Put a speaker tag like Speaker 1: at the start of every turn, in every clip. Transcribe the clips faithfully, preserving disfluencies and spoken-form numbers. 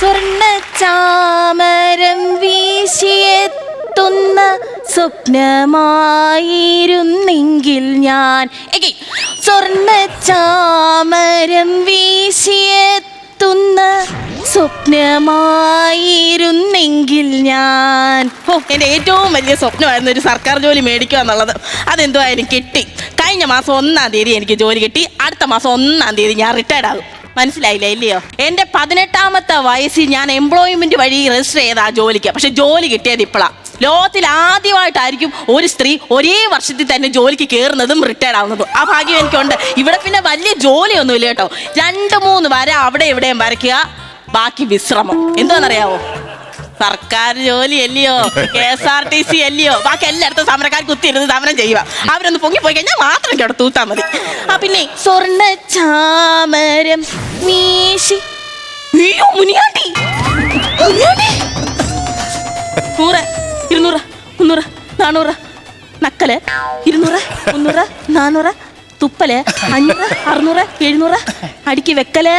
Speaker 1: സ്വർണ്ണ ചാമരം വീശിയെത്തുന്ന സ്വപ്നമായിരുന്നെങ്കിൽ ഞാൻ സ്വർണ്ണ ചാമരം വീശിയെത്തുന്ന സ്വപ്നമായിരുന്നെങ്കിൽ ഞാൻ. ഓ, എൻ്റെ ഏറ്റവും വലിയ സ്വപ്നമായിരുന്നു ഒരു സർക്കാർ ജോലി മേടിക്കുക എന്നുള്ളത്. അതെന്തോ എനിക്ക് കിട്ടി. കഴിഞ്ഞ മാസം ഒന്നാം തീയതി എനിക്ക് ജോലി കിട്ടി. അടുത്ത മാസം ഒന്നാം തീയതി ഞാൻ റിട്ടയർഡ് ആകും. മനസ്സിലായില്ല ഇല്ലയോ? എൻ്റെ പതിനെട്ടാമത്തെ വയസ്സിൽ ഞാൻ എംപ്ലോയ്മെന്റ് വഴി രജിസ്റ്റർ ചെയ്ത ആ ജോലിക്ക്. പക്ഷെ ജോലി കിട്ടിയത് ഇപ്പോഴാണ്. ലോകത്തിൽ ആദ്യമായിട്ടായിരിക്കും ഒരു സ്ത്രീ ഒരേ വർഷത്തിൽ തന്നെ ജോലിക്ക് കയറുന്നതും റിട്ടയർഡ് ആവുന്നതും. ആ ഭാഗ്യം എനിക്കുണ്ട്. ഇവിടെ പിന്നെ വലിയ ജോലിയൊന്നുമില്ല കേട്ടോ. രണ്ട് മൂന്ന് വര അവിടെ എവിടെയും വരയ്ക്കുക, ബാക്കി വിശ്രമം. എന്താണെന്നറിയാവോ? സർക്കാർ ജോലി അല്ലയോ, K S R T C അല്ലയോ, ബാക്കി എല്ലായിടത്തും സമരക്കാർ കുത്തിയിരുന്ന് സമരം ചെയ്യുക. അവരൊന്ന് പൊങ്ങിപ്പോയി കഴിഞ്ഞാൽ മാത്രം കേട്ടോ തൂത്താൽ മതി. ആ പിന്നെ സ്വർണ്ണ ചാമരം വീശി. അയ്യോ മുനിയാണ്ടി, മുനിയാണ്ടി. നൂറ്, ഇരുന്നൂറ്, മുന്നൂറ്, നാനൂറ്, നക്കല്, ഇരുന്നൂറ്, മുന്നൂറ്, നാനൂറ്, തുപ്പല്, അഞ്ഞൂറ്, അറുന്നൂറ്, എഴുന്നൂറ്, അടുക്കി വെക്കല്,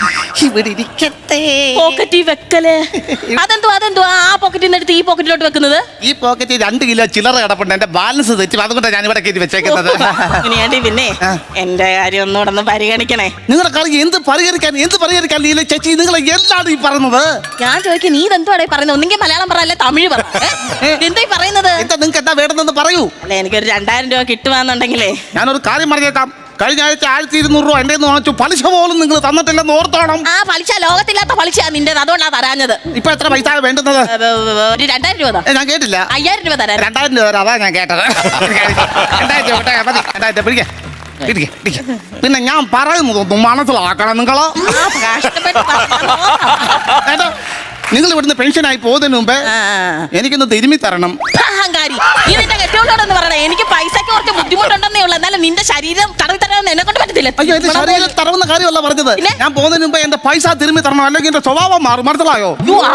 Speaker 1: പോക്കറ്റിൽ വെക്കല്. അതെന്തോ അതെന്തോ ആ പോക്കറ്റിൽ നിന്ന് എടുത്ത് ഈ പോക്കറ്റിലോട്ട് വെക്കുന്നത്?
Speaker 2: ഈ പോക്കറ്റിൽ രണ്ട് കിലോ ചില്ലറ കിടപ്പുണ്ട്. എന്റെ ബാലൻസ് തെറ്റും, അതുകൊണ്ടാണ് ഞാൻ ഇവിടെ കയറ്റി വെച്ചേക്കുന്നത്.
Speaker 1: പിന്നെ എന്റെ കാര്യം ഒന്നുകൂടെ ഒന്ന് പരിഗണിക്കണേ.
Speaker 2: നിങ്ങളുടെ കാര്യം എന്ത് പരിഹരിക്കാൻ എന്ത് പരിഹരിക്കാൻ നീല ചേച്ചി, നിങ്ങൾ എന്താണ് ഈ പറയുന്നത്?
Speaker 1: ഞാൻ ചോദിക്കും, നീ ഇതെന്തുവാടേ പറയുന്നത്? ഒന്നെങ്കിൽ മലയാളം പറ, അല്ലെ തമിഴ് പറ. എന്താ പറയുന്നത്?
Speaker 2: എന്താ നിങ്ങൾക്ക് എന്താ വേണമെന്ന് പറയൂ.
Speaker 1: അല്ലെ എനിക്കൊരു രണ്ടായിരം രൂപ കിട്ടുവാന്നുണ്ടെങ്കിലേ ഞാനൊരു
Speaker 2: കാര്യം പറഞ്ഞേക്കാം. കഴിഞ്ഞ ആഴ്ച ആയിരത്തി ഇരുന്നൂറ് രൂപ എന്റെ വാങ്ങിച്ചു. പലിശ പോലും നിങ്ങൾ തന്നിട്ടില്ലെന്ന് ഓർത്തോണം.
Speaker 1: ആ പലിശ ലോകത്തില്ലാത്ത പലിശ നിന്റേത്, അതുകൊണ്ടാണ് തരാഞ്ഞത്.
Speaker 2: ഇപ്പൊ എത്ര പൈസ വേണ്ടുന്നത്?
Speaker 1: ഒരു രണ്ടായിരം രൂപ.
Speaker 2: ഞാൻ കേട്ടില്ല.
Speaker 1: അയ്യായിരം രൂപ തരാം.
Speaker 2: രണ്ടായിരം രൂപ തരാം, അതാ ഞാൻ കേട്ടത്. രണ്ടായിരം രൂപ മതി. രണ്ടായിരം പിടിക്കാം. പിന്നെ ഞാൻ പറയുന്നതൊന്നും മനസ്സിലാക്കണം നിങ്ങളോ. നിങ്ങൾ ഇവിടുന്ന് പെൻഷനായി പോകുന്നതിന് മുമ്പേ എനിക്കൊന്ന് തിരുമ്മി തരണം.
Speaker 1: അഹങ്കാരി, ഇതിന്റെ കെട്ടിയോടൊന്ന് പറയണേ. എനിക്ക് പൈസക്ക് കുറച്ച് ബുദ്ധിമുട്ടുണ്ടെന്നേ ഉള്ളൂ, എന്നാലും നിന്റെ ശരീരം തടവി തരാമെന്ന് എന്നെ കൊണ്ട് പറ്റത്തില്ല.
Speaker 2: അയ്യോ, എന്റെ ശരീരം തടവുന്ന കാര്യമല്ല പറഞ്ഞത്. ഞാൻ പോകുന്നതിന് മുമ്പേ എന്റെ പൈസ തിരുമ്മി തരണം, അല്ലെങ്കിൽ എന്റെ സ്വഭാവം മാറും. മനസ്സിലായോ?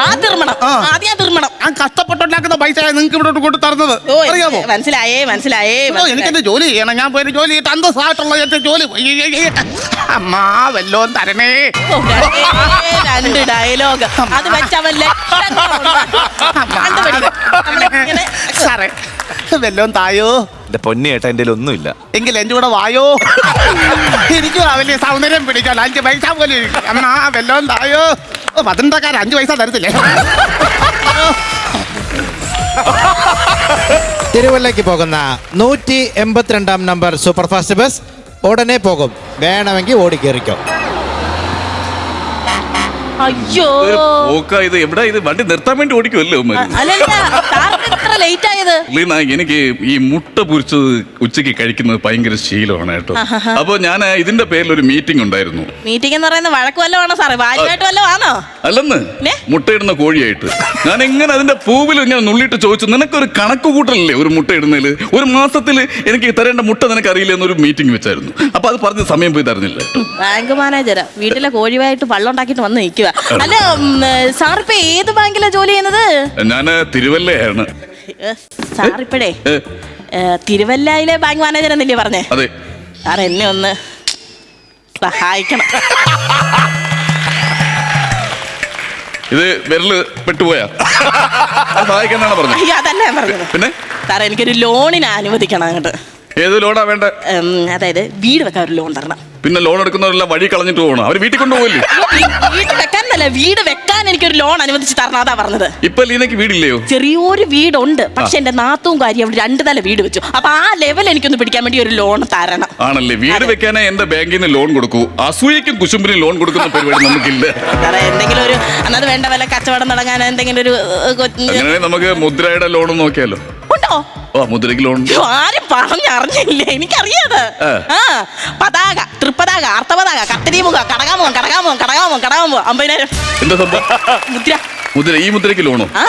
Speaker 2: ഞാൻ കഷ്ടപ്പെട്ടുണ്ടാക്കുന്ന പൈസ നിങ്ങൾക്ക് ഇവിടെ കൊണ്ട് തരുന്നത് അറിയാമോ?
Speaker 1: മനസ്സിലായേ മനസ്സിലായേ.
Speaker 2: എനിക്ക് എന്റെ ജോലി ചെയ്യണം. ഞാൻ പോയി ജോലി ചെയ്തിട്ട് അന്തസ്സായിട്ടുള്ള എന്റെ ജോലി. അമ്മാ വല്ലോ തരണേ.
Speaker 1: രണ്ട് ഡയലോഗ് അത് വെച്ചവൻ
Speaker 2: സാറേ വല്ലോം തായോ.
Speaker 3: എന്റെ പൊന്നിയേട്ടാ എന്റെ ഒന്നുമില്ല.
Speaker 2: എങ്കിൽ എന്റെ കൂടെ വായോ. എനിക്ക് വലിയ സൗന്ദര്യം പിടിക്കാൻ അഞ്ച് പൈസ പോലെ അമ്മാ വല്ലോം തായോ. പതിനെട്ടക്കാർ അഞ്ച് പൈസ തരത്തില്ലേ?
Speaker 4: തിരുവല്ലയ്ക്ക് പോകുന്ന നൂറ്റി എൺപത്തിരണ്ടാം നമ്പർ സൂപ്പർ ഫാസ്റ്റ് ബസ് ഉടനെ പോകും. വേണമെങ്കിൽ ഓടിക്കേറിക്കോ.
Speaker 1: അയ്യോ
Speaker 5: ഇത് എവിടെ? ഇത് വണ്ടി നിർത്താൻ വേണ്ടി ഓടിക്കുമല്ലോ. എനിക്ക് ഈ മുട്ട പൊരിച്ചത് ഉച്ചക്ക് കഴിക്കുന്നത് ഭയങ്കര ശീലമാണ് കേട്ടോ. അപ്പൊ ഞാൻ ഇതിന്റെ പേരിൽ ഒരു മീറ്റിംഗ് ഉണ്ടായിരുന്നു.
Speaker 1: മീറ്റിംഗ് എന്ന് പറയുന്നത് വഴക്ക് വല്ലതും ആണോ സാറേ? വായുമായിട്ട് വല്ലതും ആണോ?
Speaker 5: അല്ലെന്ന്, മുട്ടയിടുന്ന കോഴിയായിട്ട്. ഞാൻ എങ്ങനെ അതിന്റെ പൂവിൽ ഇങ്ങനെ നുള്ളിയിട്ട് ചോദിച്ചു, നിനക്കൊരു കണക്ക് കൂട്ടലല്ലേ ഒരു മുട്ട ഇടുന്നതിൽ? ഒരു മാസത്തിൽ എനിക്ക് തരേണ്ട മുട്ട നിനക്ക് അറിയില്ല എന്നൊരു മീറ്റിംഗ് വെച്ചായിരുന്നു. അപ്പൊ അത് പറഞ്ഞ സമയം പോയി തരുന്നില്ല.
Speaker 1: ബാങ്ക് മാനേജരാ, വീട്ടിലെ കോഴിവായിട്ട് വള്ളം ഉണ്ടാക്കിട്ട് വന്ന് നിൽക്കുക. അല്ല സാറിപ്പോ ഏത് ബാങ്കിലാ ജോലി ചെയ്യുന്നത്?
Speaker 5: ഞാന് തിരുവല്ലയാണ്.
Speaker 1: സാറിപ്പഴേ തിരുവല്ലയിലെ ബാങ്ക് മാനേജർ എന്നല്ലേ പറഞ്ഞേ?
Speaker 5: അതെ.
Speaker 1: സാർ എന്നെ ഒന്ന് സഹായിക്കണം.
Speaker 5: ഇത് വിരല് പെട്ടുപോയാ സഹായിക്കാന്നാണ് പറഞ്ഞത്?
Speaker 1: അയ്യോ അതല്ല ഞാൻ പറഞ്ഞത്.
Speaker 5: പിന്നെ
Speaker 1: സാറേ എനിക്കൊരു ലോണിന് അനുവദിക്കണം അങ്ങോട്ട്.
Speaker 5: ഏത് ലോണാ വേണ്ടേ?
Speaker 1: അതായത് വീട് വെക്കാൻ ഒരു ലോൺ തരണം.
Speaker 5: പിന്നെ ലോൺ എടുക്കുന്നവരെല്ലാം വഴി കളഞ്ഞിട്ട് പോകണം. അവര് വീട്ടിൽ കൊണ്ടുപോകില്ലേ?
Speaker 1: വീട് വെക്കാനല്ല, വീട് വെക്കാൻ എനിക്കൊരു ലോൺ അനുവദിച്ച് തരണം, അതാ പറഞ്ഞത്.
Speaker 5: ഇപ്പൊ ലീനക്ക് വീടില്ലയോ?
Speaker 1: ചെറിയൊരു വീടുണ്ട്, പക്ഷെ എന്റെ നാത്തും കാര്യം അവിടെ രണ്ട് തല വീട് വെച്ചു. അപ്പൊ ആ ലെവൽ എനിക്കൊന്ന് പിടിക്കാൻ വേണ്ടി ഒരു ലോൺ തരണം.
Speaker 5: ആണല്ലേ? വീട് വെക്കാനേ എന്റെ ബാങ്കിൽ നിന്ന് ലോൺ കൊടുക്കൂ. അസൂയക്കും കുശുമ്പിനും ലോൺ കൊടുക്കുന്ന പരിപാടി നമുക്കില്ല.
Speaker 1: എന്തെങ്കിലും ഒരു അന്നത് വേണ്ട വല്ല കച്ചവടം തുടങ്ങാൻ എന്തെങ്കിലും ഒരു
Speaker 5: അങ്ങനെ നമുക്ക് മുദ്രയുടെ ലോൺ നോക്കിയാലോ?
Speaker 1: ഉണ്ടോ?
Speaker 5: ഓ മുദ്രയ്ക്ക് ലോൺ
Speaker 1: ആരും പറഞ്ഞറിഞ്ഞില്ലേ? എനിക്കറിയാത്. ആ പതാക, തൃപ്പതാക, അർത്ഥപതാക, കത്തിരിമുഖ, കടകാമുഖം, കടകാമുഖം, കടകാമുഖം, കടകാമുഖം, അമ്പതിനായിരം.
Speaker 5: എന്താ സംഭവം?
Speaker 1: മുദ്ര.
Speaker 5: മുദ്ര. ഈ മുദ്രയ്ക്ക് ലോണോ?
Speaker 1: ആ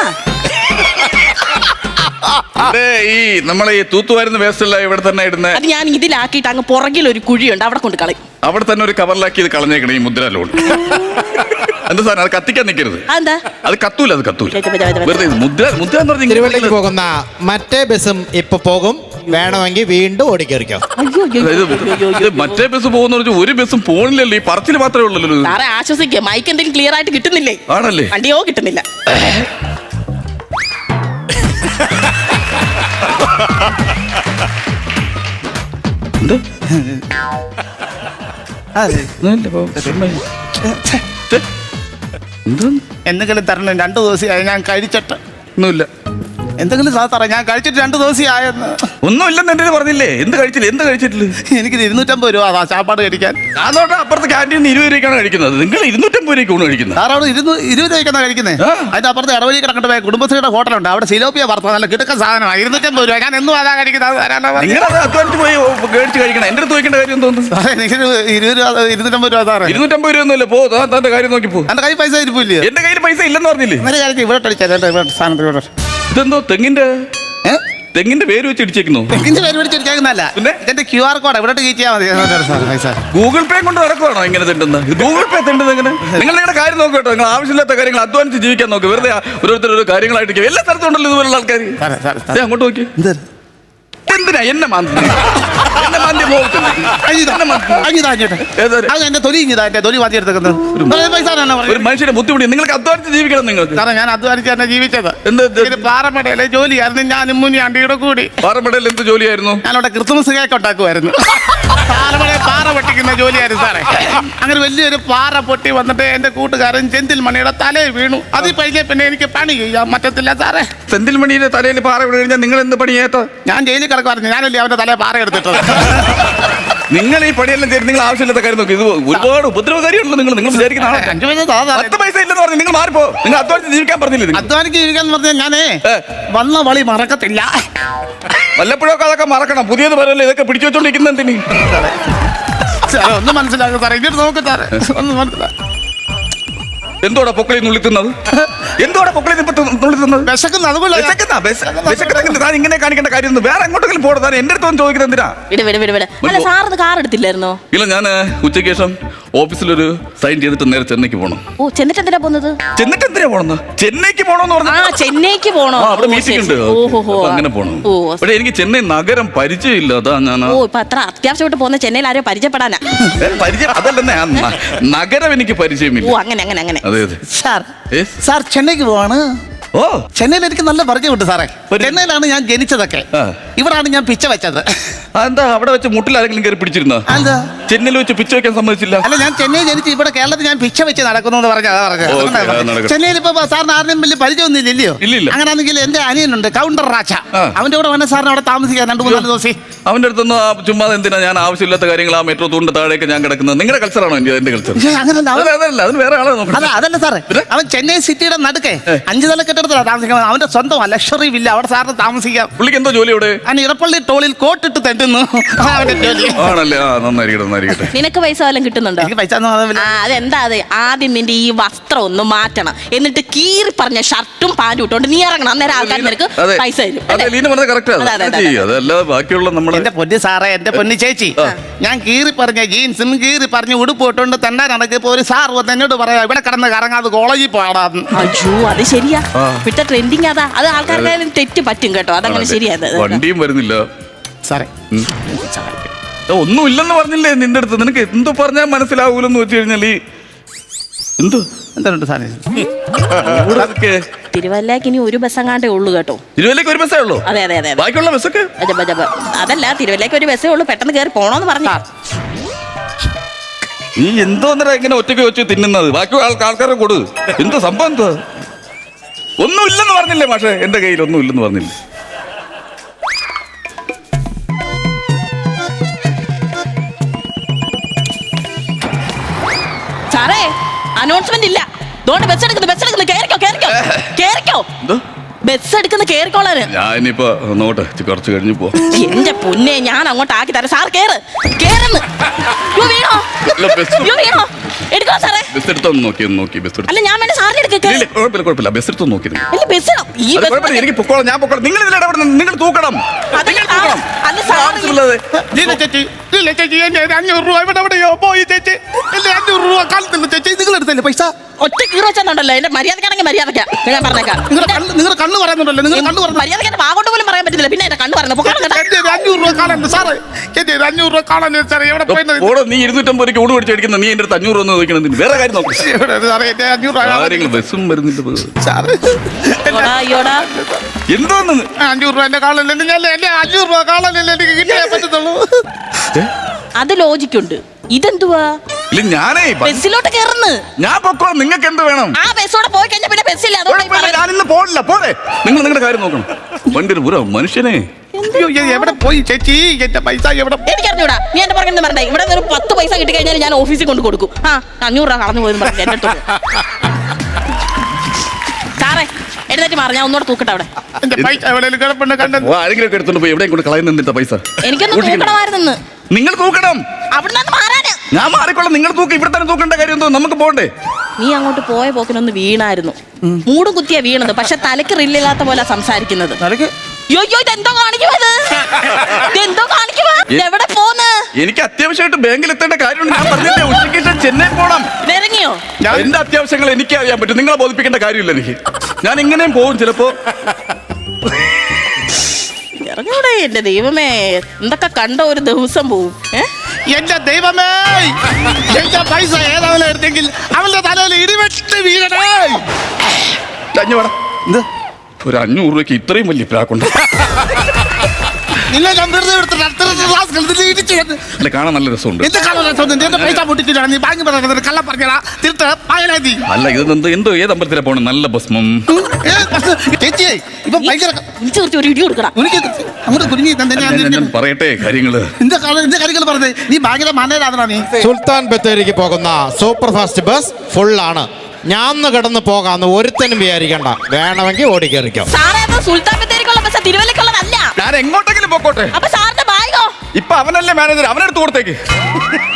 Speaker 5: ഈ നമ്മളെ ഈ തൂത്തുവാരുന്ന വേസ്റ്റ് അല്ല ഇവിടെ തന്നെ ഇടുന്ന?
Speaker 1: അത് ഞാൻ ഇതിലാക്കിയിട്ട് അങ്ങ് പുറകിൽ ഒരു കുഴിയുണ്ട്, അവിടെ കൊണ്ട് കളയും.
Speaker 5: അവിടെ തന്നെ ഒരു കവറിലാക്കി ഇത് കളഞ്ഞേക്കണം ഈ മുദ്ര ലോൺ. എന്താ സാധനം? അത് കത്തിക്കാൻ നിൽക്കരുത്. അത് കത്തൂല, അത് കത്തൂല. വെറുതെ മുദ്ര മുദ്ര എന്ന് പറഞ്ഞാൽ
Speaker 4: തിരുവല്ലയ്ക്ക് പോകുന്ന മറ്റേ ബസ്സും ഇപ്പൊ പോകും. വേണമെങ്കിൽ വീണ്ടും ഓടിക്കേറിക്കോ.
Speaker 1: അയ്യോ, അയ്യോ,
Speaker 5: ഇത്
Speaker 1: അയ്യോ, അയ്യോ,
Speaker 5: ഇത് മറ്റേ ബസ് പോകുന്ന പറഞ്ഞാൽ ഒരു ബസ്സും പോണില്ലല്ലോ, ഈ പറച്ചിൽ മാത്രമേ ഉള്ളല്ലോ.
Speaker 1: സാറേ ആശ്വസിക്കുക, മൈക്ക് എന്തെങ്കിലും ക്ലിയർ ആയിട്ട് കിട്ടുന്നില്ലേ?
Speaker 5: ആണല്ലേ?
Speaker 1: വണ്ടിയോ കിട്ടുന്നില്ല.
Speaker 5: എന്താ
Speaker 2: അതെ.
Speaker 5: എന്താ
Speaker 2: എന്തെങ്കിലും തരണം, രണ്ടു ദിവസമായി ഞാൻ കഴിച്ചിട്ട്.
Speaker 5: ഒന്നുമില്ല,
Speaker 2: എന്തെങ്കിലും സാറേ, ഞാൻ കഴിച്ചിട്ട് രണ്ടു ദിവസമായെന്ന്.
Speaker 5: ഒന്നുമില്ലെന്ന് എന്റെ പറഞ്ഞില്ലേ. എന്ത് കഴിച്ചില്ല? എന്ത് കഴിച്ചിട്ടില്ല?
Speaker 2: എനിക്ക് ഇരുന്നൂറ്റമ്പത് രൂപ അതാ ചാപ്പാട് കഴിക്കാൻ.
Speaker 5: അതോട്ട് അപ്പുറത്ത് ക്യാൻറ്റീൻ ഇരുപത് രൂപയ്ക്കാണ് കഴിക്കുന്നത്. നിങ്ങൾ ഇരുന്നൂറ്റമ്പത് രൂപയ്ക്ക് ഊണ് കഴിക്കുന്നത്.
Speaker 2: സാർ അവിടെ ഇരുന്നൂ ഇരുപത് രൂപയ്ക്കാണ് കഴിക്കുന്നത്.
Speaker 5: ആ.
Speaker 2: അതിന്റെ അപ്പുറത്ത് ഇടവഴി കിടക്കേണ്ട പോയ കുടുംബശ്രീയുടെ ഹോട്ടലുണ്ട്, അവിടെ സിലോപ്പിയ വറുത്ത നല്ല കിടക്കുന്ന സാധനമാണ്. ഇരുന്നൂറ്റമ്പത് രൂപ. ഞാൻ എന്നും അതാ കഴിക്കുന്നത്. അത് തരാനാ പറഞ്ഞത്.
Speaker 5: നിങ്ങളത് അധ്വാനിച്ച് പോയി മേടിച്ച് കഴിക്കണം. എന്റെ അടുത്ത് ചോദിക്കേണ്ട കാര്യം തോന്നുന്നു.
Speaker 2: സാറേ, എനിക്ക് ഇരുപത് രൂപ ഇരുന്നൂറ്റമ്പത് രൂപ സാറേ.
Speaker 5: ഇരുന്നൂറ്റമ്പത് രൂപ ഒന്നുമില്ല. പോ, താൻ തന്റെ കാര്യം നോക്കി പോ.
Speaker 2: എന്റെ കയ്യിൽ പൈസ ഇരിപ്പില്ലേ?
Speaker 5: എന്റെ കയ്യിൽ പൈസ ഇല്ലെന്ന് പറഞ്ഞില്ലേ?
Speaker 2: ഇന്നലെ കാര്യം ഇവിടെ അടിച്ചാൽ ഇവിടെ സാധനത്തിൽ ഇവിടെ
Speaker 5: ഇതെന്തോ തെങ്ങിന്റെ
Speaker 2: ഏഹ്
Speaker 5: തെങ്ങിന്റെ പേര് വെച്ച് ഇടിച്ചേക്കുന്നു.
Speaker 2: തെങ്ങിന്റെ പേര് പിടിച്ചിരിക്കുന്നല്ല,
Speaker 5: പിന്നെ?
Speaker 2: ഇതിന്റെ ക്യു ആർ കോഡ് ഇവിടെ കീറ്റിയാൽ മതി സാർ പൈസ.
Speaker 5: ഗൂഗിൾ പേ കൊണ്ട് നടക്കുവാണോ ഇങ്ങനെ തെണ്ടുന്നത്? ഗൂഗിൾ പേ തെണ്ടുന്നത് എങ്ങനെ? നിങ്ങൾ നിങ്ങളുടെ കാര്യം നോക്കുക കേട്ടോ. നിങ്ങൾ ആവശ്യമില്ലാത്ത കാര്യങ്ങൾ അധ്വാനിച്ച് ജീവിക്കാൻ നോക്കുക. വെറുതെ ഓരോരുത്തർ ഓരോ കാര്യങ്ങളായിട്ട് എല്ലാ സ്ഥലത്തും ഉണ്ടല്ലോ ഇതുപോലുള്ള ആൾക്കാർ.
Speaker 2: സാറേ, സാറേ,
Speaker 5: ദേ അങ്ങോട്ട് നോക്കി.
Speaker 2: എന്ത്?
Speaker 5: എന്തിനാ എന്നെ മാന്തി എന്നെ മാന്തി പോകത്തില്ല. ഏതൊരു-
Speaker 2: അത് എന്റെ തൊലി ഇഞ്ഞതാ, എന്റെ തൊലി മാറ്റി എടുത്തേക്കുന്നത് പൈസ
Speaker 5: ഒരു മനുഷ്യന്റെ ബുദ്ധിമുട്ടി നിങ്ങൾക്ക് അധ്വാനിച്ച് ജീവിക്കണം. നിങ്ങൾക്ക്
Speaker 2: സാറേ, ഞാൻ അധ്വാനിച്ച് തന്നെ ജീവിച്ചത്.
Speaker 5: എന്ത്
Speaker 2: ഇത് പാറമടയിലെ ജോലിയായിരുന്നു. ഞാനും മുന്നേ അണ്ടിയുടെ കൂടി
Speaker 5: പാറമടയിൽ എന്ത് ജോലിയായിരുന്നു?
Speaker 2: ഞാനവിടെ ക്രിസ്മസ് കേക്ക് ഉണ്ടാക്കുമായിരുന്നു. പാറമടയിൽ പാറ പൊട്ടിക്കുന്ന ജോലിയായിരുന്നു സാറേ. അങ്ങനെ വലിയൊരു പാറ പൊട്ടി വന്നിട്ട് എന്റെ കൂട്ടുകാരൻ ചെന്തിൽ മണിയുടെ തലയിൽ വീണു. അതിൽ കഴിഞ്ഞ പിന്നെ എനിക്ക് പണി ചെയ്യാൻ പറ്റത്തില്ല സാറേ.
Speaker 5: സെന്തിൽ മണിയുടെ തലയിൽ പാറ വീണ് കഴിഞ്ഞാൽ നിങ്ങൾ എന്ത് പണിയേത്ത?
Speaker 2: ഞാൻ ജയിലിൽ കിടക്കുമായിരുന്നു. ഞാനല്ലേ അവന്റെ തലയിൽ പാറ എടുത്തിട്ടത്.
Speaker 5: നിങ്ങൾ ഈ പണിയെല്ലാം ചെയ്ത് നിങ്ങൾ ആവശ്യമില്ലാത്ത കാര്യം നോക്കി. ഇത് ഒരുപാട് ഉപദ്രവകാരിയാണല്ലോ നിങ്ങൾ. നിങ്ങൾ വിചാരിക്കുന്ന ആളാണ്.
Speaker 2: അഞ്ചു പൈസ താ സാറേ.
Speaker 5: പത്ത് പൈസ ഇല്ലെന്ന് പറഞ്ഞു നിങ്ങൾ മാറിപ്പോ. നിങ്ങൾ അധ്വാനിച്ച് ജീവിക്കാൻ പറഞ്ഞില്ലേ നിങ്ങൾ?
Speaker 2: അധ്വാനിക്ക് ജീവിക്കാന്ന് പറഞ്ഞാൽ ഞാനേ
Speaker 5: ഏ.
Speaker 2: വന്ന വളി മറക്കത്തില്ല.
Speaker 5: വല്ലപ്പോഴൊക്കെ അതൊക്കെ മറക്കണം. പുതിയത് പറയല്ലേ ഇതൊക്കെ പിടിച്ചു വെച്ചോണ്ടിരിക്കുന്ന എന്തിന്?
Speaker 2: സാറേ, ഒന്ന് മനസ്സിലാക്കും സാറേ, ഇങ്ങോട്ട് നോക്ക് സാറേ, ഒന്ന് മനസ്സിലാക്കും.
Speaker 5: എന്തോടാ പൊക്കളി നുള്ളി തിന്നത്? എന്തോടാ പൊക്കളി ഇപ്പൊ നുള്ളി തിന്നത്?
Speaker 2: വിശക്കുന്ന അതുപോലെ
Speaker 5: വിശക്കുന്ന വിശ- വിശക്കുന്നെങ്കിൽ താൻ ഇങ്ങനെ കാണിക്കേണ്ട കാര്യം ഒന്നും വേറെ എങ്ങോട്ടെങ്കിലും പോടാ. താൻ എന്റെ അടുത്ത് ചോദിക്കുന്നത് എന്തിനാ?
Speaker 1: വിട് വിട് വിട് വിട്. അല്ല സാറിന് കാർ എടുത്തില്ലായിരുന്നോ?
Speaker 5: ഇല്ല, ഞാൻ ഉച്ചയ്ക്ക് ശേഷം ഓഫീസിലൊരു സൈൻ ചെയ്തിട്ട് നേരെ ചെന്നൈക്ക് പോകണം.
Speaker 1: ഓ, ചെന്നിട്ട് എന്തിനാ പോകുന്നത്?
Speaker 5: ചെന്നിട്ട് എന്തിനാ പോണെന്ന്? ചെന്നൈക്ക് പോണോന്ന്
Speaker 1: ആ,
Speaker 5: പറഞ്ഞു.
Speaker 1: ചെന്നൈക്ക് പോണോ?
Speaker 5: ആ, അവിടെ
Speaker 1: ഓ,
Speaker 5: മീറ്റിംഗ്
Speaker 1: ശരി,
Speaker 5: ഉണ്ട്.
Speaker 1: ശരി. ഓഹോ,
Speaker 5: അപ്പൊ അങ്ങനെ പോണം.
Speaker 1: ഓ,
Speaker 5: പക്ഷെ എനിക്ക് ചെന്നൈ നഗരം പരിചയമില്ല. അതാ ഞാൻ
Speaker 1: ഓ, ഇപ്പൊ അത്ര അത്യാവശ്യമായിട്ട് പോകുന്ന ചെന്നൈയിൽ ആരോ പരിചയപ്പെടാനാ?
Speaker 5: ഏ, പരിചയം അതല്ലെന്നേ, ആ ന- നഗരം എനിക്ക് പരിചയമില്ല.
Speaker 1: ഓ, അങ്ങനെ അങ്ങനെ അങ്ങനെ.
Speaker 5: അതെ അതെ.
Speaker 2: Sir
Speaker 5: Yes.
Speaker 2: സാർ ചെന്നൈക്ക് പോവാണ്.
Speaker 5: ഓ,
Speaker 2: ചെന്നൈയിൽ എനിക്ക് നല്ല പരിചയമുണ്ട് സാറേ.
Speaker 5: പരിചയം.
Speaker 2: ചെന്നൈയിലാണ് ഞാൻ ജനിച്ചതൊക്കെ.
Speaker 5: ആ.
Speaker 2: ഇവിടാണ് ഞാൻ പിച്ച വെച്ചത്.
Speaker 5: എന്താ അവിടെ വെച്ച് മുട്ടിൽ ആരെങ്കിലും കയറി പിടിച്ചിരുന്ന?
Speaker 2: എന്താ?
Speaker 5: ചെന്നൈയിൽ വെച്ച് പിച്ച വെക്കാൻ സമ്മതിച്ചില്ല.
Speaker 2: അല്ല, ഞാൻ ചെന്നൈ ജനിച്ച് ഇവിടെ കേരളത്തിൽ ഞാൻ പിച്ച വെച്ച് നടക്കുന്നു എന്ന് പറഞ്ഞാ പറഞ്ഞത്.
Speaker 5: ഓ, ഓക്കേ,
Speaker 2: അതുകൊണ്ടാ
Speaker 5: അത് നടക്കട്ടെ.
Speaker 2: ചെന്നൈയിൽ ഇപ്പൊ സാറിന് ആരുടെയും വലിയ പരിചയമൊന്നും ഇല്ലല്ലോ.
Speaker 5: ഇല്ലില്ല.
Speaker 2: അങ്ങനെയാണെങ്കിൽ എന്റെ അനിയനുണ്ട് കൗണ്ടർ രാജ.
Speaker 5: ആ.
Speaker 2: അവന്റെ കൂടെ വേണേ സാറിന് അവിടെ താമസിക്കാൻ രണ്ടു മൂന്നാല് ദിവസം.
Speaker 5: അവന്റെ അടുത്തൊന്നും ആ ചുമ്മാ എന്തിനാ ഞാൻ ആവശ്യമില്ലാത്ത കാര്യങ്ങൾ ആ മെട്രോ തൂണിന്റെ താഴേക്ക് ഞാൻ കിടക്കുന്നത്? നിങ്ങളുടെ കൾച്ചറാണോ എന്റെ എന്റെ കൾച്ചർ?
Speaker 2: പക്ഷേ അങ്ങനല്ല അവൻ-
Speaker 5: അതല്ല, അതിന് വേറെ ആളെ നോക്കണം.
Speaker 2: അല്ല അതല്ല സാറേ,
Speaker 5: പിന്നെ?
Speaker 2: അവൻ ചെന്നൈ സിറ്റിയുടെ നടുക്കെ
Speaker 5: ഏ.
Speaker 2: അഞ്ചു നില കെട്ടിടത്തിലാണ് താമസിക്കുന്നത്. അവന്റെ സ്വന്തം ലക്ഷറി വില്ല, അവിടെ സാറിന് താമസിക്കാം.
Speaker 5: പുള്ളിക്ക് എന്തോ ജോലി അവിടെ?
Speaker 2: അവൻ ഇടപ്പള്ളി ടോളിൽ കോട്ടിട്ട് തെണ്ടുന്നു. അതാ അവന്റെ ജോലി.
Speaker 5: ആണല്ലേ? ആ, നന്നായിരിക്കട്ടെ നന്നായിരിക്കട്ടെ.
Speaker 1: നിനക്ക് പൈസ വല്ലതും കിട്ടുന്നുണ്ടോ?
Speaker 2: എനിക്ക് പൈസ ഒന്നും ആവില്ല.
Speaker 1: ആ, അതെന്താ അത്? ആദ്യം നിന്റെ ഈ വസ്ത്രം ഒന്ന് മാറ്റണം. എന്നിട്ട് കീറി പറഞ്ഞ ഷർട്ടും പാൻറ്റും ഇട്ടോണ്ട് നീ ഇറങ്ങണം. അന്നേരം ആൾക്കാർ നിനക്ക്
Speaker 5: അതെ.
Speaker 1: പൈസ തരും.
Speaker 5: അതെ,
Speaker 1: അല്ലേ?
Speaker 5: ലീന പറഞ്ഞത് കറക്റ്റ്.
Speaker 1: അതെ, അതെ, അതെ, അതെ.
Speaker 5: അതല്ല ബാക്കിയുള്ള നമ്മള്
Speaker 2: എന്റെ പൊന്നു സാറേ, എന്റെ പൊന്നു ചേച്ചി, ഞാൻ കീറി പറഞ്ഞ ജീൻസും കീറി പറഞ്ഞ ഉടുപ്പ് ഇട്ടുകൊണ്ട് തെണ്ടാൻ നടക്കിയപ്പോ ഒരു സാർ വന്ന് എന്നോട് പറയാ ഇവിടെ കിടന്ന് കറങ്ങാതെ കോളേജിൽ പോടാന്ന്.
Speaker 1: അയ്യോ, അത് ശരിയാ. ഇപ്പോഴത്തെ ട്രെൻഡിങ് അതാ. അത് ആൾക്കാർക്ക് തെറ്റ് പറ്റും കേട്ടോ. അതങ്ങനെ
Speaker 5: ആണല്ലേ?
Speaker 1: ശരിയാ. അത്
Speaker 5: വണ്ടിയും വരുന്നില്ല.
Speaker 2: സാറേ,
Speaker 5: ഒന്നും ഇല്ലെന്ന് പറഞ്ഞില്ലേ നിന്റെ അടുത്ത്? നിനക്ക് എന്തോ പറഞ്ഞാൽ മനസ്സിലാവൂലെന്ന് വെച്ച് കഴിഞ്ഞാൽ ഈ എന്തോ
Speaker 2: എന്തുണ്ട് സാറേ?
Speaker 5: ഊരൊക്കെ
Speaker 1: തിരുവല്ലക്ക് ഇനി ഒരു ബസ് അങ്ങാണ്ടേ ഉള്ളൂ കേട്ടോ.
Speaker 5: തിരുവല്ലയ്ക്ക് ഒരു ബസ്സേ ഉള്ളൂ?
Speaker 1: അതെ അതെ അതെ അതെ.
Speaker 5: ബാക്കിയുള്ള ബസ്സൊക്കെ
Speaker 1: അജബ, അജബ. അതല്ല, തിരുവല്ലക്ക് ഒരു ബസ്സേ ഉള്ളൂ. പെട്ടെന്ന് കയറി പോണോന്ന് പറഞ്ഞു.
Speaker 5: നീ എന്തോന്നര ഇങ്ങനെ ഒറ്റയ്ക്ക് വെച്ച് തിന്നുന്നത്? ബാക്കി ആൾക്കാരെ കൊടു. എന്തോ സംഭവം എന്തോ? ഒന്നും ഇല്ലെന്ന് പറഞ്ഞില്ലേ മാഷെ? എന്റെ കയ്യിൽ ഒന്നും ഇല്ലെന്ന് പറഞ്ഞില്ലേ?
Speaker 1: സാറേ, അനൗൺസ്മെന്റ് ഇല്ല. അതുകൊണ്ട് ബസ് എടുക്കുന്നു, ബസ് എടുക്കുന്നു. കേറിക്കോ, കേറിക്കോ, കേറിക്കോ.
Speaker 5: എന്തോ?
Speaker 1: ബസ് എടുക്കുന്ന കേറിക്കോളാന്.
Speaker 5: ഞാൻ ഇനിയിപ്പോ നോട്ടെ കുറച്ച് കഴിഞ്ഞു പോ.
Speaker 1: എന്റെ പൊന്നെ, ഞാൻ അങ്ങോട്ട് ആക്കി തരാം. സാർ കേറ്, കേറുന്നു. യ്യോ, വീണോ?
Speaker 5: ഇല്ല, ബസ്
Speaker 1: യ്യോ, വീണോ? എടുക്കോ സാറേ.
Speaker 5: ബസ് എടുത്തൊന്ന് നോക്കി ഒന്ന് നോക്കി ബസ് എടുത്ത്
Speaker 1: അല്ല ഞാൻ വേണ്ട സാറിന് എടുക്കുക
Speaker 5: ഇല്ല കുഴപ്പമില്ല കുഴപ്പമില്ല ബസ് എടുത്തൊന്ന് നോക്കി
Speaker 1: അല്ല ബസ് ഈ
Speaker 5: അത് കുഴപ്പമില്ല എനിക്ക് പൊക്കോളാം ഞാൻ പൊക്കോളാം നിങ്ങൾ ഇതിൽ ഇടപെടുന്നത് നിങ്ങൾ തൂക്കണം
Speaker 1: അത്
Speaker 5: നിങ്ങൾ
Speaker 1: സാറ്-
Speaker 5: തൂക്കണം
Speaker 1: അല്ല സാറ്
Speaker 5: ആവശ്യമുള്ളത്
Speaker 2: ലീല ചേച്ചി ലീല ചേച്ചി എന്റെ ഒരു അഞ്ഞൂറ് രൂപ ഇവിടെ എവിടെയോ പോയി ചേച്ചി എന്റെ അഞ്ഞൂറ് രൂപ കാലത്തില്ല ചേച്ചി നിങ്ങൾ എടുത്തല്ലേ പൈസ
Speaker 1: ഒറ്റ കീറോ വെച്ചെന്നുണ്ടല്ലോ എന്റെ മര്യാദക്കാണെങ്കിൽ മര്യാദക്കാ ഞാൻ പറഞ്ഞേക്കാം
Speaker 2: നിങ്ങളുടെ കണ്ണ് നിങ്ങളുടെ കണ്ണ് പറയുന്നുണ്ടല്ലോ നിങ്ങൾ കണ്ണ് പറഞ്ഞു
Speaker 1: മര്യാദക്ക് എന്റെ വാഗോട്ട് പോലും പറയാൻ പറ്റില്ല പിന്നെ എന്റെ കണ്ണ് പറയുന്നത് പൊക്കണം കേട്ടോ.
Speaker 2: എന്റെ ഒരു അഞ്ഞൂറ് രൂപ കാണാനുണ്ട് സാറേ എന്റെ ഒരു അഞ്ഞൂറ് രൂപ കാണാനുണ്ട് സാറേ എവിടെ പോയത്
Speaker 5: ഓടോ നീ ഇരുന്നൂറ്റമ്പത് രൂപ ഊട് പിടിച്ച് അടിക്കുന്ന നീ എന്റെ അടുത്ത് അഞ്ഞൂറ് ഒന്ന് ചോദിക്കണം വേറെ കാര്യം നോക്കി
Speaker 2: എവിടെ സാറേ എന്റെ അഞ്ഞൂറ് രൂപ കാണാൻ-
Speaker 5: കാര്യങ്ങൾ ബസ്സും വരുന്നില്ല
Speaker 2: സാറേ
Speaker 1: അയ്യോടാ, അയ്യോടാ
Speaker 5: എന്തോന്ന്
Speaker 2: അഞ്ഞൂറ് രൂപ എന്റെ കാണാനില്ല ഞാൻ എന്റെ അഞ്ഞൂറ് രൂപ കാണാനില്ല എനിക്ക് കിട്ടിയേ പറ്റത്തുള്ളൂ
Speaker 1: അത് ലോജിക്കുണ്ട് ഇതെന്തുവാ
Speaker 5: ഇല്ല ഞാനേ ബ-
Speaker 1: ബസ്സിലോട്ട് കയറുന്നു
Speaker 5: ഞാൻ പൊക്കോളാം നിങ്ങൾക്ക് എന്ത് വേണം
Speaker 1: ആ ബസ്സോടെ പോയി കഴിഞ്ഞാൽ പിന്നെ ബസ്സില്ല അതുകൊണ്ട് ഈ
Speaker 5: കുഴപ്പമില്ല
Speaker 1: പറയുന്നത്.
Speaker 5: ഞാൻ ഇന്ന് പോണില്ല പോരെ നിങ്ങൾ നിങ്ങളുടെ കാര്യം നോക്കണം വണ്ടി ഒരു പുറ മനുഷ്യനെ
Speaker 2: അയ്യോ ഇത് എവിടെ പോയി ചേച്ചി എന്റെ പൈസ എവിടെ
Speaker 1: എനിക്കറിഞ്ഞൂടാ നീ എന്റെ പറഞ്ഞ പറഞ്ഞേ ഇവിടെ ഒരു പത്ത് പൈസ കിട്ടി കഴിഞ്ഞാൽ ഞാൻ ഓഫീസിൽ കൊണ്ട് കൊടുക്കും ആ അഞ്ഞൂറ് രൂപ കളഞ്ഞു പോയെന്ന് പറഞ്ഞു എന്റെ അടുത്ത് സാറേ എഴുന്നേറ്റ് മാറി ഞാൻ ഒന്നുകൂടെ തൂക്കട്ടെ അവിടെ
Speaker 2: എന്റെ പൈസ എവിടെയെങ്കിലും കിടപ്പുണ്ട് കണ്ടത്
Speaker 5: ഓ, ആരെങ്കിലും ഒക്കെ എടുത്തോണ്ട് പോയി എവിടെയും കൊണ്ട് കളയുന്ന പൈസ
Speaker 1: എനിക്കൊന്ന്
Speaker 5: സൂക്ഷിക്കണം.
Speaker 1: തൂക്കണമായിരുന്നു
Speaker 5: നിങ്ങൾ തൂക്കണം
Speaker 1: അവിടെ നിന്ന് മാറാന്
Speaker 5: ഞാൻ മാറിക്കൊള്ളാം നിങ്ങൾ തൂക്കം ഇവിടെ തന്നെ തൂക്കേണ്ട കാര്യം എന്തോ നമുക്ക് പോണ്ടേ
Speaker 1: നീ അങ്ങോട്ട് പോയ പോക്കിനൊന്ന് വീണായിരുന്നു മൂടും കുത്തിയാ വീണത് പക്ഷെ തലക്ക് റില്ലില്ലാത്ത പോലെ സംസാരിക്കുന്നത്
Speaker 2: തലക്ക്
Speaker 1: യോ യോ ഇതെന്തോ കാണിക്കുമത് ഇതെന്തോ കാണിക്കുവാ എവിടെ പോന്ന്
Speaker 5: എനിക്ക് അത്യാവശ്യമായിട്ട് ബാങ്കിൽ എത്തേണ്ട കാര്യമുണ്ട് ഞാൻ പറഞ്ഞില്ലേ ഉച്ചയ്ക്ക് ശേഷം ചെന്നൈ പോണം
Speaker 1: ഇറങ്ങിയോ
Speaker 5: ഞാൻ എന്റെ അത്യാവശ്യങ്ങൾ എനിക്ക് അറിയാൻ പറ്റും നിങ്ങളെ ബോധിപ്പിക്കേണ്ട കാര്യമില്ല എനിക്ക് ഞാൻ ഇങ്ങനെയും പോകും ചിലപ്പോ
Speaker 1: ഇറങ്ങൂടെ എന്റെ ദൈവമേ എന്തൊക്കെ കണ്ട ഒരു ദിവസം പോവും ഏ
Speaker 2: എന്റെ ദൈവമേ എന്റെ പൈസ ഏതാവനെ എടുത്തെങ്കിൽ അവന്റെ തലയിൽ ഇടിവെട്ട് വീഴണേ
Speaker 5: അഞ്ഞു വേണം
Speaker 2: എന്ത്
Speaker 5: ഒരു അഞ്ഞൂറ് രൂപയ്ക്ക് ഇത്രയും വലിയ പ്രാക്കുണ്ട്
Speaker 2: നിങ്ങൾ ഞാൻ വെറുതെ എടുത്തിട്ട് അത്ര ക്ലാസ് ഇടിച്ചു
Speaker 5: അല്ല കാണാൻ നല്ല രസമുണ്ട്
Speaker 2: എന്ത് കാണാൻ എന്റെ പൈസ പൊട്ടിച്ചിട്ടാണ് നീ ബാങ്ക് പറയുന്നത് കള്ള പറഞ്ഞാ തിരുത്ത് പായലാതി
Speaker 5: അല്ല ഇത് എന്തോ എന്തോ ഏത് അമ്പലത്തിലാ പോണം നല്ല ഭസ്മം
Speaker 2: ചേച്ചിയെ ഇപ്പൊ ഭയങ്കര
Speaker 1: വിളിച്ചു കുറച്ച് ഒരു ഇടി കൊടുക്കണം
Speaker 2: ഉനിക്ക് അങ്ങോട്ട് കുരുങ്ങി തന്നെ
Speaker 5: ഞാൻ- ഞാൻ- ഞാൻ പറയട്ടെ കാര്യങ്ങള്
Speaker 2: എന്താ എന്താ കാര്യങ്ങൾ പറഞ്ഞത് നീ ഭയങ്കര മാനേജാണോ നീ
Speaker 4: സുൽത്താൻ ബത്തേരിക്ക് പോകുന്ന സൂപ്പർ ഫാസ്റ്റ് ബസ് ഫുൾ ആണ് ഞാൻ കിടന്ന് പോകാന്ന് ഒരുത്തനും വിചാരിക്കണ്ട വേണമെങ്കിൽ ഓടിക്കേറിക്കോ
Speaker 1: സാറേ അത് സുൽത്താൻ ബത്തേരിക്കുള്ള ബസ് തിരുവല്ലക്കുള്ളതല്ല
Speaker 5: ഞാൻ എങ്ങോട്ടെങ്കിലും പോക്കോട്ടെ
Speaker 1: അപ്പൊ സാറിന്റെ ബാഗോ
Speaker 5: ഇപ്പൊ അവനല്ലേ മാനേജർ അവനെടുത്ത് കൊടുത്തേക്ക്